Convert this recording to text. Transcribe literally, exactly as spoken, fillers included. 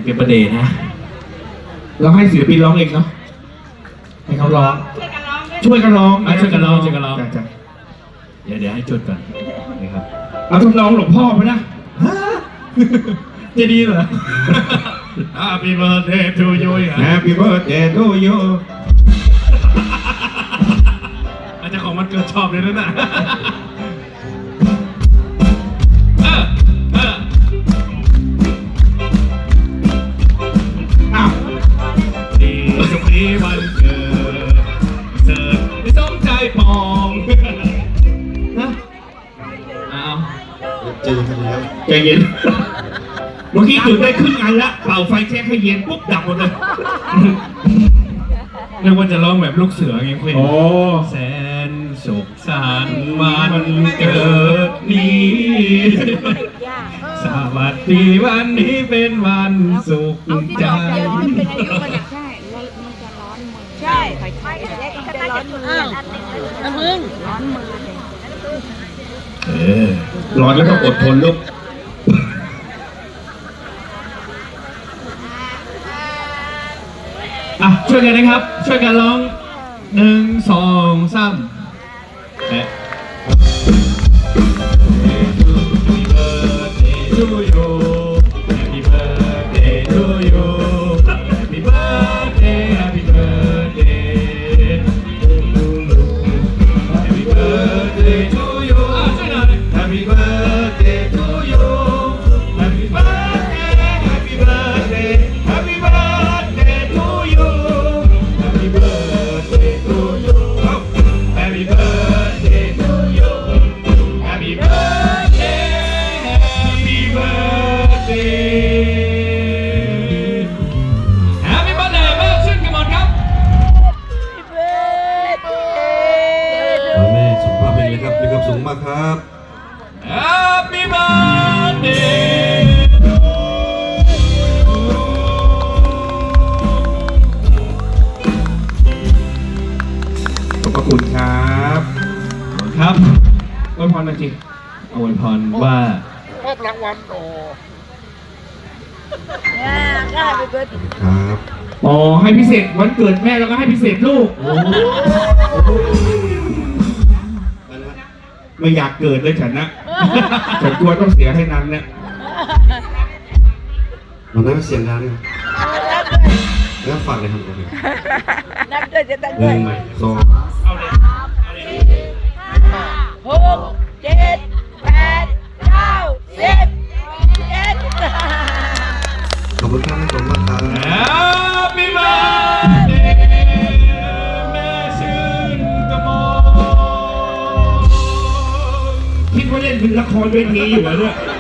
เก็บประเด็นนะเราให้ศิลปินร้องเองเนาะให้เขาร้องช่วยกันร้องช่วยกันร้องช่วยกันร้องเดี๋ยวเดี๋ยวให้จุดก่อนนะครับเอาทำนองหลวงพ่อไปนะจะดีเหรอ Happy birthday to you Happy birthday to you อาจจะของมันเกิดชอบเลยนะน่ะอ้าวดีสุขีวันเกิดเสิร์ฟไม่สมใจปองนะอ้าวใจเย็นแล้วใจเย็นเมื่อกี้จุดได้ครึ่งอันละเป่าไฟแช็คให้เย็นปุ๊บดับหมดเลยเรียกว่าจะร้องแบบลูกเสือไงคุยโอ้แสนสุขสันต์วันเกิดนี้สวัสดีวันนี้เป็นวันสุขใจใช่ใช่ใช่จะร้อนมือน้ำมึงร้อนมือเออร้อนแล้วต้องอดทนลูกอ่ะช่วยกันนะครับช่วยกันร้องหนึ่งสองสามเอ๊ะ Happy birthday to you Happy birthday to you Happy birthday Happy birthday Happy birthday to you อ่ะช่วยหน่อย Happy birthday to you Happy birthday Happy birthday Happy birthday to you Happy birthday to you Happy birthday to you Happy birthday Happy birthday Happy birthday แม่ชื่นกมลครับแม่สุขภาพเป็นเลยครับมีความสุขมากครับ Happy birthday ขอบพระคุณครับครับอวยพรหน่อยสิอวยพรว่าชอบรางวัลโอ้ได้ไปเบิร์ดครับอ๋อให้พิเศษวันเกิดแม่แล้วก็ให้พิเศษลูกไม่อยากเกิดเลยฉันนะฉันกลัวต้องเสียให้นั้นเนี่ยมันน่าเสียงดังเลยแล้วฝากเลยครับนับด้วยจะตั้งหด้วยนึ่งสองหกเจ็ดแปดเก้าสิบเอ็ดขอบคุณครับขอบคุณมากครับ Happy birthday แม่ชื่นกมลคิดว่าเล่นเป็นละครเวทีอยู่เหรอเนี่ย